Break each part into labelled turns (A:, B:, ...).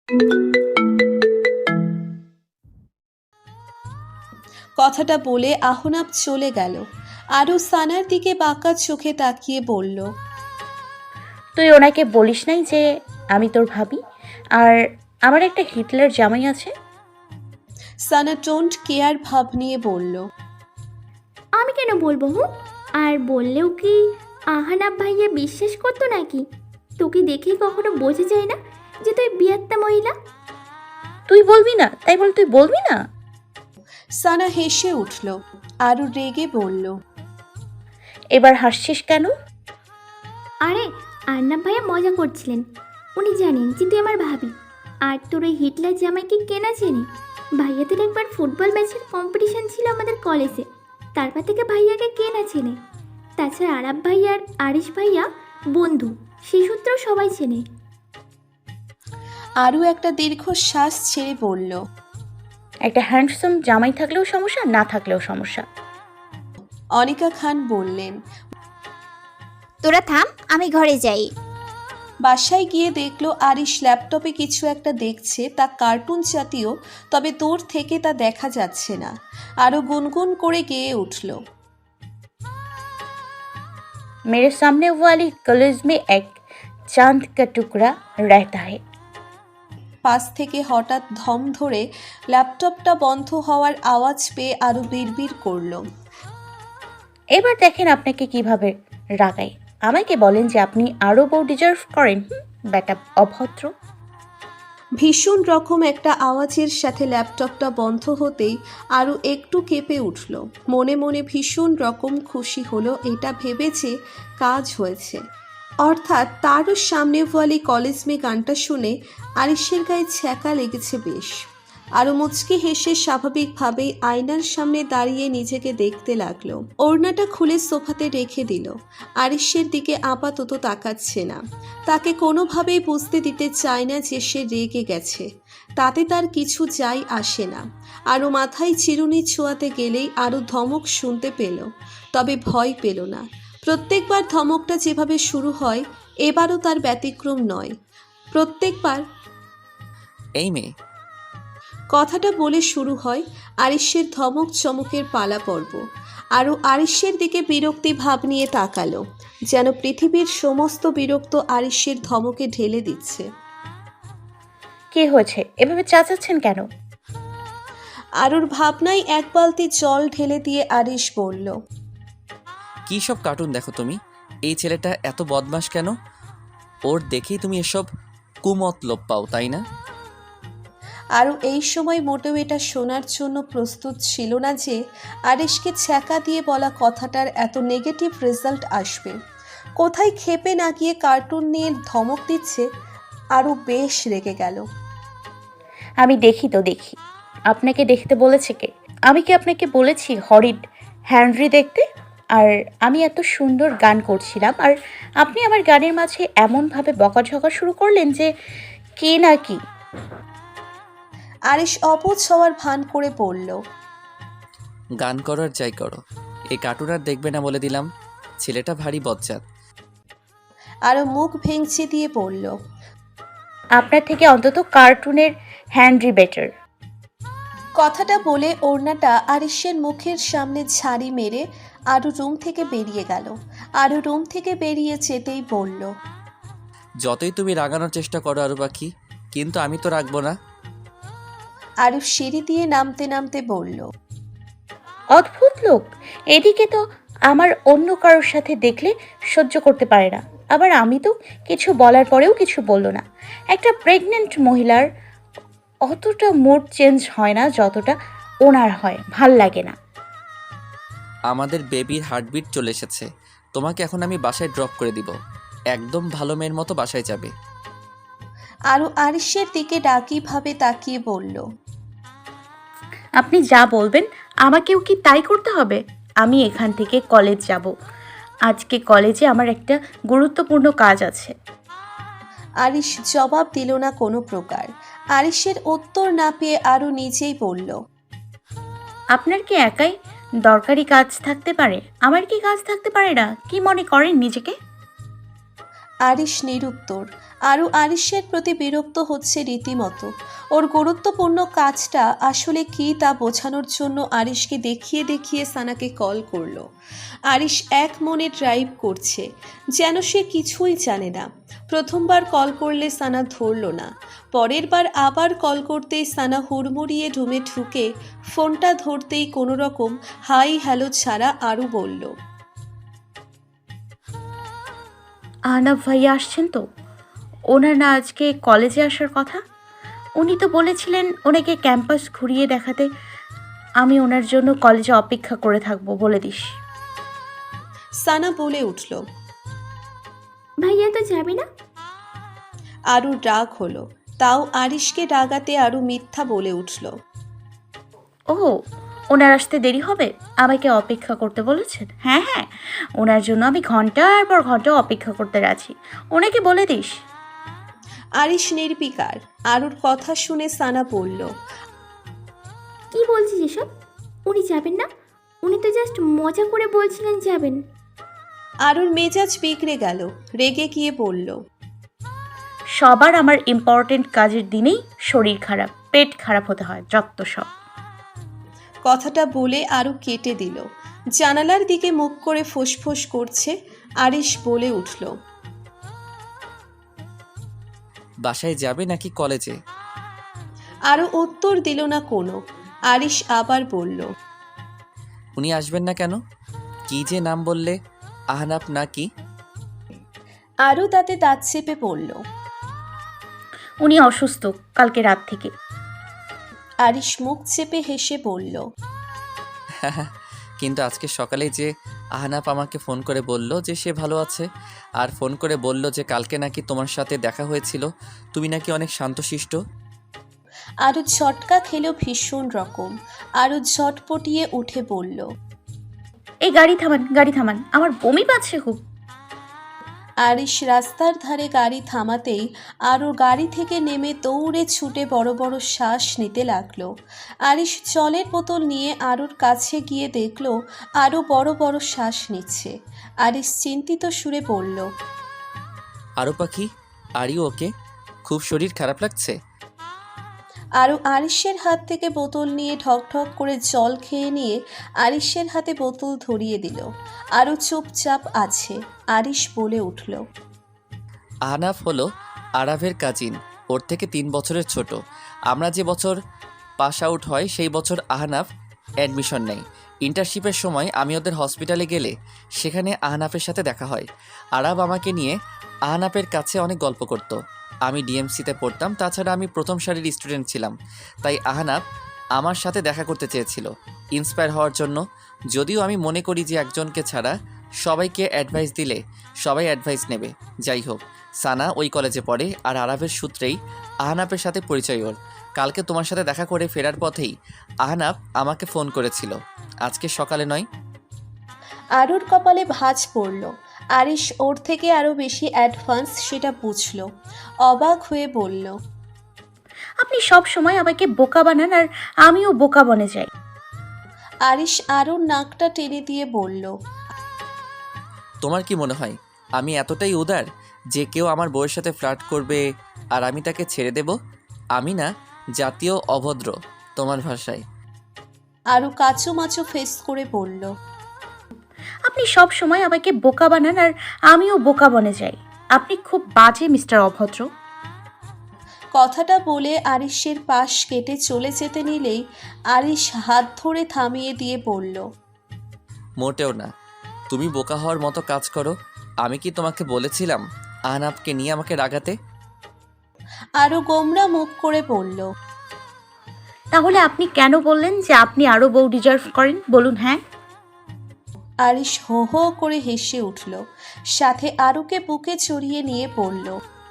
A: কথাটা বলে আহনাব চলে গেল। আরও সানার দিকে বাঁকা চোখে তাকিয়ে বলল,
B: তুই ওনাকে বলিস নাই যে আমি তোর ভাবি আর আমার একটা হিটলার জামাই আছে?
A: সানা ডোন্ট কেয়ার ভাব নিয়ে বলল,
C: আমি কেন বলবো? আর বললেও কি আহানাব ভাইয়া বিশ্বাস করতো নাকি? তোকে দেখে কখনো বোঝা যায় না যে তুই বিয়াত্তা মহিলা?
B: তুই বলবি না তাই বল, তুই বলবি না?
A: সানা হেসে উঠল। আরও রেগে বলল,
B: এবার হাসছিস কেন?
C: আরে আর্নাব ভাইয়া মজা করছিলেন। উনি জানেন যে তুই আমার ভাবি। আর তোর ওই হিটলার জামাইকে কেনা চেনে? ভাইয়াদের একবার ফুটবল ম্যাচের কম্পিটিশন ছিল আমাদের কলেজে, তারপর থেকে ভাইয়াকে কেনা চেনে। তাছাড়া আরাব ভাইয়া আর আরিশ ভাইয়া বন্ধু, সেই সূত্রেও সবাই চেনে।
A: আরও একটা দীর্ঘশ্বাস ছেড়ে বলল,
B: একটা হ্যান্ডসাম জামাই থাকলেও সমস্যা, না থাকলেও সমস্যা।
A: অনিকা খান বললেন।
D: তোরা থাম, আমি ঘরে যাই।
A: বাসায় গিয়ে দেখলো আরিশ ল্যাপটপে কিছু একটা দেখছে, তা কার্টুন জাতীয়, তবে দূর থেকে তা দেখা যাচ্ছে না। আরও গুনগুন করে গেয়ে উঠল,
B: मेरे सामने वाली कॉलेज में एक चांद का टुकड़ा रहता है।
A: পাশ থেকে হঠাৎ ধম ধরে ল্যাপটপটা বন্ধ হওয়ার আওয়াজ পেয়ে আরও বিড়বিড় করল,
B: এবার দেখেন আপনাকে কিভাবে রাগাই। আমাকে বলেন যে আপনি আরও বউ ডিজার্ভ করেন। বেটা অভদ্র।
A: ভীষণ রকম একটা আওয়াজের সাথে ল্যাপটপটা বন্ধ হতেই আরও একটু কেঁপে উঠল। মনে মনে ভীষণ রকম খুশি হলো এটা ভেবে যে কাজ হয়েছে। অর্থাৎ তারও সামনে ওয়ালি কলেজ মে গানটা শুনে আরিশের গায়ে ছ্যাঁকা লেগেছে বেশ। আরও মুচকি হেসে স্বাভাবিকভাবেই আয়নার সামনে দাঁড়িয়ে নিজেকে দেখতে লাগলো। ওড়নাটা খুলে সোফাতে রেখে দিল। আরিশের দিকে আপাতত তাকাচ্ছে না। তাকে কোনোভাবেই বুঝতে দিতে চায় না যে সে রেগে গেছে। তাতে তার কিছু যাই আসে না। আরও মাথায় চিরুনি ছোঁয়াতে গেলেই আরও ধমক শুনতে পেল, তবে ভয় পেল না। প্রত্যেকবার ধমকটা যেভাবে শুরু হয় এবারও তার ব্যতিক্রম নয়। প্রত্যেকবার
E: এই মেয়ে,
A: কথাটা বলে শুরু হয় আরিশের ধমক চমকের পালা পর্ব। আরও আরিশের দিকে বিরক্তি ভাব নিয়ে তাকালো, যেন পৃথিবীর সমস্ত বিরক্ত আরিশের ধমকে ঢেলে দিচ্ছে।
B: কি হয়েছে, এভাবে চাচাচ্ছেন কেন?
A: আরুর ভাবনায় এক বালতি জল ঢেলে দিয়ে আরিশ বলল,
E: কী সব কার্টুন দেখো তুমি? এই ছেলেটা এত বদমাশ কেন? ওর দেখেই তুমি এসব কুমতলব পাও, তাই না?
A: আরও এই সময় মোটেও এটা শোনার জন্য প্রস্তুত ছিল না যে আরিশকে ছ্যাঁকা দিয়ে বলা কথাটার এত নেগেটিভ রেজাল্ট আসবে। কোথায় ক্ষেপে না গিয়ে কার্টুন নিয়ে ধমক দিচ্ছে। আরও বেশ রেগে গেল।
B: আমি দেখি তো দেখি। আপনাকে দেখতে বলেছে কে? আমি কি আপনাকে বলেছি হরিড হ্যানরি দেখতে? আর আমি এত সুন্দর গান করছিলাম আর আপনি আমার গানের মাঝে এমনভাবে বকাঝকা শুরু করলেন যে কে না কি।
A: আরিশ অবুঝ হওয়ার ভান করে বলল,
E: গান করো আর যাই করো, এই কার্টুন আর দেখবে না বলে দিলাম। ছেলেটা ভারী বজ্জাত।
A: আরও মুখ ভেঙচি দিয়ে বলল,
B: আপনার থেকে অন্তত কার্টুনের হ্যানরি বেটার।
A: কথাটা বলে ওড়নাটা আরিশের মুখের সামনে ঝাড়ি মেরে আরও রুম থেকে বেরিয়ে গেল। আরও রুম থেকে বেরিয়ে যেতেই বলল,
E: যতই তুমি রাগানোর চেষ্টা করো আরু পাখি, কিন্তু আমি তো রাখবো না।
A: আরও সিঁড়ি দিয়ে নামতে নামতে বলল,
B: অদ্ভুত লোক। এদিকে তো আমার অন্য কারোর সাথে দেখলে সহ্য করতে পারে না, আবার আমি তো কিছু বলার পরেও কিছু বলল না। একটা প্রেগনেন্ট মহিলার অতটা মুড চেঞ্জ হয় না যতটা ওনার হয়, ভাল লাগে না।
E: আমাদের বেবির হার্টবিট চলে এসেছে। তোমাকে এখন আমি বাসায় ড্রপ করে দিব। একদম ভালো মেয়ের মতো বাসায় যাবে।
A: আরও আরিশের দিকে ডাকিভাবে তাকিয়ে বলল,
B: আপনি যা বলবেন আমাকেও কি তাই করতে হবে? আমি এখান থেকে কলেজ যাব। আজকে কলেজে আমার একটা গুরুত্বপূর্ণ কাজ আছে।
A: আরিশ জবাব দিল না কোনো প্রকার। আরিশের উত্তর না পেয়ে আরও নিজেই বলল,
B: আপনার কি একাই দরকারি কাজ থাকতে পারে? আমার কি কাজ থাকতে পারে না? কি মনে করেন নিজেকে?
A: আরিশ নিরুত্তর। আরও আরিশের প্রতি বিরক্ত হচ্ছে রীতিমতো। ওর গুরুত্বপূর্ণ কাজটা আসলে কী তা বোঝানোর জন্য আরিশকে দেখিয়ে দেখিয়ে সানাকে কল করলো। আরিশ এক মনে ড্রাইভ করছে, যেন সে কিছুই জানে না। প্রথমবার কল করলে সানা ধরল না, পরের বার আবার কল করতেই সানা হুড়মুড়িয়ে রুমে ঢুকে ফোনটা ধরতেই কোনো রকম হাই হ্যালো ছাড়া আরও বলল,
B: আহনাফ ভাইয়া আসছেন তো? ওনার না আজকে কলেজে আসার কথা? উনি তো বলেছিলেন ওনাকে ক্যাম্পাস ঘুরিয়ে দেখাতে। আমি ওনার জন্য কলেজে অপেক্ষা করে থাকবো, বলে দিস।
A: সানা বলে উঠল।
C: ভাইয়া তো যাবে না?
A: আরও রাগ হলো, তাও আরিশকে রাগাতে আরও মিথ্যা বলে উঠল।
B: ও, ওনার আসতে দেরি হবে, আমাকে অপেক্ষা করতে বলেছেন? হ্যাঁ হ্যাঁ, ওনার জন্য আমি ঘন্টার পর ঘন্টা অপেক্ষা করতে রাজি, ওনাকে বলে দিস।
A: আরিশ নির্বিকার। আরুর কথা শুনে সানা বলল,
C: কি বলছিস এসব? উনি যাবেন না? উনি তো জাস্ট মজা করে বলছিলেন যাবেন।
A: আরুর মেজাজ বিগড়ে গেল, রেগে গিয়ে বলল,
B: সবার আমার ইম্পর্টেন্ট কাজের দিনেই শরীর খারাপ, পেট খারাপ হতে হয়, যত সব।
A: কথাটা বলে আরু কেটে দিল। জানালার দিকে মুখ করে ফোঁস করছে। আরিশ বলে উঠল,
E: বাসায় যাবে নাকি কলেজে?
A: আরও উত্তর দিল না কোনো। আরিশ আবার বলল,
E: উনি আসবেন না কেন? কি যে নাম বললে, আহনাফ না কি?
A: আরও তাতে দাঁত চেপে পড়ল।
B: উনি অসুস্থ কালকে রাত থেকে।
A: আরিশ মুখ চেপে হেসে বলল,
E: কিন্তু আজকে সকালে যে আহনাফ আমাকে ফোন করে বলল যে সে ভালো আছে, আর ফোন করে বলল যে কালকে নাকি তোমার সাথে দেখা হয়েছিল, তুমি নাকি অনেক শান্তশিষ্ট।
A: আরও ঝটকা খেল ভীষণ রকম। আরও ঝটপটিয়ে উঠে বলল,
B: এই গাড়ি থামান, গাড়ি থামান, আমার বমি পাচ্ছে খুব।
A: আরিশ রাস্তার ধারে গাড়ি থামাতেই আরও গাড়ি থেকে নেমে দৌড়ে ছুটে বড় বড় শ্বাস নিতে লাগলো। আরিশ জলের বোতল নিয়ে আরুর কাছে গিয়ে দেখলো আরও বড় বড় শ্বাস নিচ্ছে। আরিশ চিন্তিত সুরে বলল,
E: আরও পাখি, আরিও ওকে? খুব শরীর খারাপ লাগছে?
A: আরও আরিশের হাত থেকে বোতল নিয়ে ঢক ঢক করে জল খেয়ে নিয়ে আরিশের হাতে বোতল ধরিয়ে দিল। আরও চুপচাপ আছে। আরিশ বলে উঠল,
E: আহনাফ হলো আরাফের কাজিন, ওর থেকে 3 বছরের ছোট। আমরা যে বছর পাস আউট হয় সেই বছর আহনাফ অ্যাডমিশন নেয়। ইন্টার্নশিপের সময় আমি ওদের হসপিটালে গেলে সেখানে আহনাফের সাথে দেখা হয়। আরাব আমাকে নিয়ে আহনাফের কাছে অনেক গল্প করতো। আমি ডিএমসিতে পড়তাম, তাছাড়া আমি প্রথম সারির স্টুডেন্ট ছিলাম, তাই আহনাফ আমার সাথে দেখা করতে চেয়েছিল ইন্সপায়ার হওয়ার জন্য। যদিও আমি মনে করি যে একজনকে ছাড়া সবাইকে অ্যাডভাইস দিলে সবাই অ্যাডভাইস নেবে। যাই হোক, সানা ওই কলেজে পড়ে, আর আরাফের সূত্রেই আহনাফের সাথে পরিচয় ওর। কালকে তোমার সাথে দেখা করে ফেরার পথেই আহনাফ আমাকে ফোন করেছিল, আজকে সকালে নয়।
A: আরুর কপালে ভাঁজ পড়ল। আরিশ ওর থেকে আরও বেশি অ্যাডভান্স সেটা বুঝল। অবাক হয়ে বলল,
B: আপনি সব সময় আমাকে বোকা বানান, আর আমিও বোকা বনে যাই।
A: আরিশ আরুর নাকটা টেনে দিয়ে বলল,
E: তোমার কি মনে হয় আমি এতটাই উদার যে কেউ আমার বউয়ের সাথে ফ্লার্ট করবে আর আমি তাকে ছেড়ে দেব? আমি না জাতীয় অভদ্র তোমার ভাষায়।
A: আরু কাচুমাচু ফেস করে বলল,
B: আপনি সব সময় আমাকে বোকা বানান, আর আমিও বোকা বনে যাই। আপনি খুব বাজে মিস্টার অভদ্র।
A: কথাটা বলে আরিশের পাশ কেটে চলে যেতে নিলেই আরিশ হাত ধরে থামিয়ে দিয়ে বলল,
E: মোটেও না, তুমি বোকা হওয়ার মতো কাজ করো। আমি কি তোমাকে বলেছিলাম আহনাফকে নিয়ে আমাকে রাগাতে?
A: আরও গোমরা মুখ করে বলল,
B: তাহলে আপনি কেন বললেন যে আপনি আরও বউ ডিজার্ভ করেন? বলুন। হ্যাঁ,
A: আরিশ হো হো করে হেসে উঠল, সাথে আরুকে বুকে চড়িয়ে নিয়ে বলল,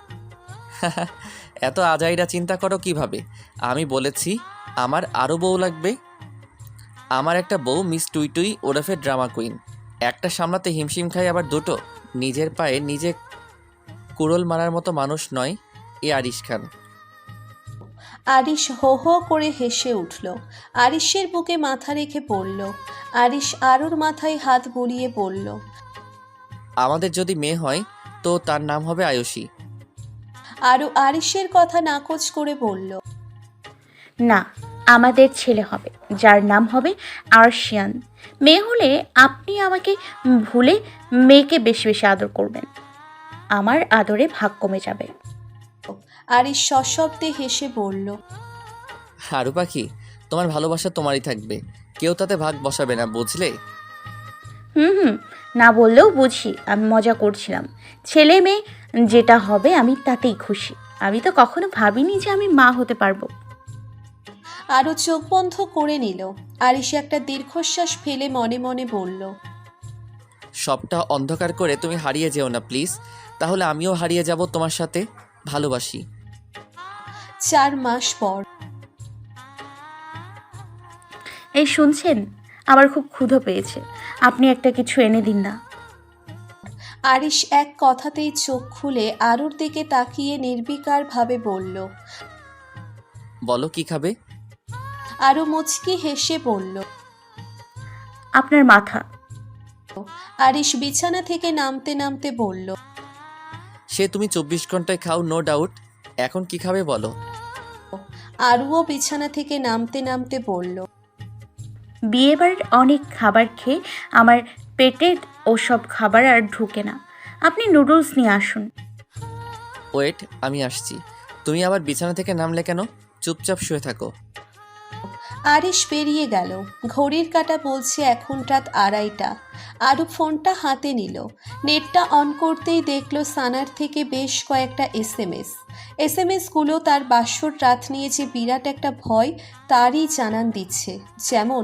E: এত আজাইরা চিন্তা করো কিভাবে? আমি বলেছি আমার আরও বউ লাগবে। আমার একটা বউ মিস টুইটুই ওরফে ড্রামা কুইন, একটা সামলাতে হিমশিম খায়, আবার দুটো। নিজের পায়ে নিজে কুড়োল মারার মতো মানুষ নয় এ আরিশ খান।
A: আরিশ হো হো করে হেসে উঠল। আরিশের বুকে মাথা রেখে পড়ল। আরিশ আরুর মাথায় হাত বুলিয়ে বলল,
E: আমাদের যদি মেয়ে হয় তো তার নাম হবে আয়ুষী।
A: আরও আরিশের কথা নাকচ করে বলল,
B: না, আমাদের ছেলে হবে, যার নাম হবে আরশিয়ান। মেয়ে হলে আপনি আমাকে ভুলে মেয়েকে বেশি বেশি আদর করবেন, আমার আদরে ভাগ কমে যাবে।
A: আরিশ সশব্দে হেসে বলল,
E: আরু পাখি, তোমার ভালোবাসা তোমারই থাকবে, কেউ তাতে ভাগ বসাবে না, বুঝলে?
B: হুম, না বললেও বুঝি, আমি মজা করছিলাম। ছেলে মেয়ে যেটা হবে আমি তাতেই খুশি। আমি তো কখনো ভাবিনি যে আমি মা হতে পারবো।
A: আরও চোখ বন্ধ করে নিল। আরিশ একটা দীর্ঘশ্বাস ফেলে মনে মনে বলল,
E: সবটা অন্ধকার করে তুমি হারিয়ে যেও না প্লিজ, তাহলে আমিও হারিয়ে যাব তোমার সাথে। ভালোবাসি।
A: 4 মাস পর।
B: এই শুনছেন, আমার খুব ক্ষুধা পেয়েছে, আপনি একটা কিছু এনে দিন না।
A: আরিশ এক কথাতেই চোখ খুলে আরুর দিকে তাকিয়ে নির্বিকারভাবে বলল।
E: বলো কি খাবে?
A: আরু মুচকি হেসে বলল।
B: আপনার মাথা।
A: আরিশ বিছানা থেকে নামতে নামতে বলল,
E: সে তুমি 24 ঘন্টায় খাও, নো ডাউট। এখন কি খাবে বলো?
A: আরুও বিছানা থেকে নামতে নামতে বলল,
B: বিয়েবাড়ির অনেক খাবার খেয়ে আমার পেটে ওসব খাবার আর ঢুকে না। আপনি নুডলস নিয়ে আসুন।
E: ওয়েট, আমি আসছি। তুমি আবার বিছানা থেকে নামলে কেন? চুপচাপ শুয়ে থাকো।
A: আরিশ বেরিয়ে গেল। ঘড়ির কাঁটা বলছে এখন রাত 2:30। আরু ফোনটা হাতে নিল। নেটটা অন করতেই দেখলো সানার থেকে বেশ কয়েকটা এসএমএসগুলো তার বাসর রাত নিয়ে যে বিরাট একটা ভয় তারই জানান দিচ্ছে। যেমন,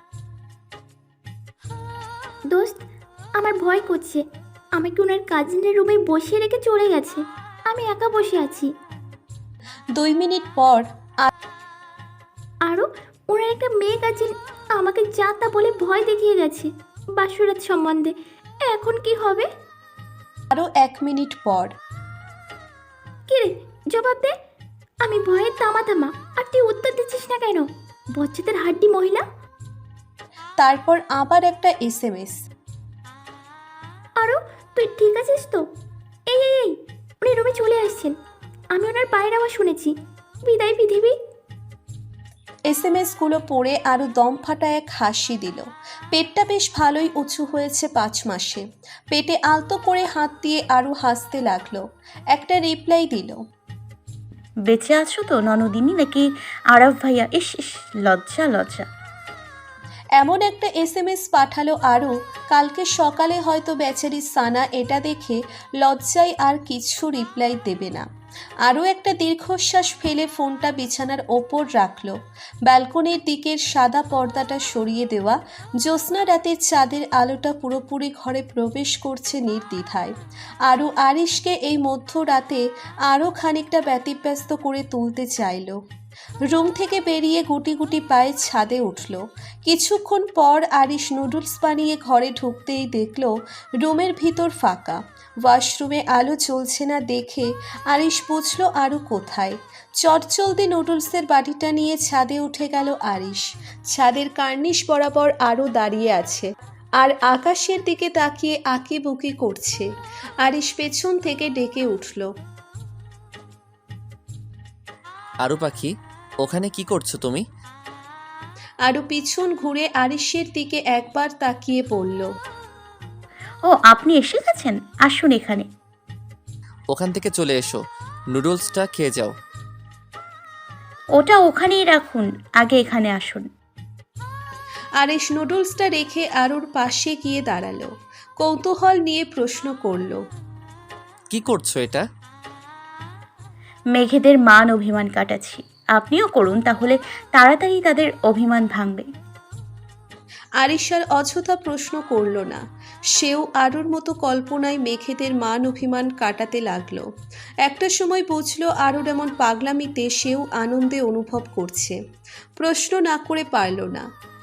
C: দোস্ত, আমার ভয় করছে। আমাকে ওনার কাজিনের রুমে বসিয়ে রেখে চলে গেছে। আমি একা বসে আছি।
A: 2 মিনিট পর
C: আরও ওনার একটা মেয়ে কাজিন আমাকে যা তা বলে ভয় দেখিয়ে গেছে বাসরাত সম্বন্ধে। এখন কি হবে?
A: আরও 1 মিনিট পর।
C: কিরে, জবাব দে। আমি ভয়ে তামা তামা, আর তুই উত্তর দিচ্ছিস না কেন? বচ্চাদের হাড্ডি মহিলা।
A: তারপর আবার একটা এসএমএস।
C: আরও তুই ঠিক আছিস তো? এই এই এই, উনি রুমে চলে আসছেন। আমি ওনার পায়ের আওয়াজ শুনেছি। বিদায় পৃথিবী।
A: এসএমএসগুলো পড়ে আরও দম ফাটা এক হাসি দিল। পেটটা বেশ ভালোই উঁচু হয়েছে 5 মাসে। পেটে আলতো করে হাত দিয়ে আরও হাসতে লাগলো। একটা রিপ্লাই দিল।
B: বেঁচে আছো তো ননদিনী, নাকি আরাফ ভাইয়া? ইস ইস, লজ্জা লজ্জা।
A: এমন একটা এসএমএস পাঠালো আরও, কালকে সকালে হয়তো বেচারি সানা এটা দেখে লজ্জায় আর কিছু রিপ্লাই দেবে না। আরও একটা দীর্ঘশ্বাস ফেলে ফোনটা বিছানার ওপর রাখলো। ব্যালকনির দিকের সাদা পর্দাটা সরিয়ে দেওয়া জ্যোৎস্না রাতের চাঁদের আলোটা পুরোপুরি ঘরে প্রবেশ করছে নির্দ্বিধায়। আরও আরিশকে এই মধ্যরাতে আরও খানিকটা ব্যতিব্যস্ত করে তুলতে চাইল। রুম থেকে বেরিয়ে গুটি গুটি পায়ে ছাদে উঠল। কিছুক্ষণ পর আরিশ নুডলস বানিয়ে ঘরে ঢুকতেই দেখল রুমের ভিতর ফাঁকা। ওয়াশরুমে আলো জ্বলছে না দেখে আরিশ বুঝল আরও কোথায়। চটচলতি নুডলসের বাটিটা নিয়ে ছাদে উঠে গেল আরিশ। ছাদের কার্নিশ বরাবর আরও দাঁড়িয়ে আছে আর আকাশের দিকে তাকিয়ে আঁকিবুকি করছে। আরিশ পেছন থেকে ডেকে উঠল।
E: আরু পাখি, ওখানে কি করছো তুমি?
A: আরও পিছন ঘুরে আরিশের দিকে একবার তাকিয়ে পড়ল।
B: ও, আপনি এসে গেছেন, আসুন এখানে।
E: ওখান থেকে চলে এসো, নুডলসটা খেয়ে যাও।
B: ওটা ওখানেই রাখুন, আগে এখানে আসুন।
A: আরিশ নুডলসটা রেখে আরুর পাশে গিয়ে দাঁড়ালো। কৌতূহল নিয়ে প্রশ্ন করল,
E: কি করছো এটা?
B: মেঘেদের মান অভিমান কাটাচ্ছি, আপনিও করুন, তাহলে তাড়াতাড়ি তাদের অভিমান ভাঙবে।
A: আরিশ আর অযথা প্রশ্ন করল না। সেও আরুর মতো কল্পনায় মেঘেদের মান অভিমান কাটাতে লাগলো। একটা সময় বুঝলো আরুর এমন পাগলামিতে সেও আনন্দে অনুভব করছে। প্রশ্ন না করে পারল না।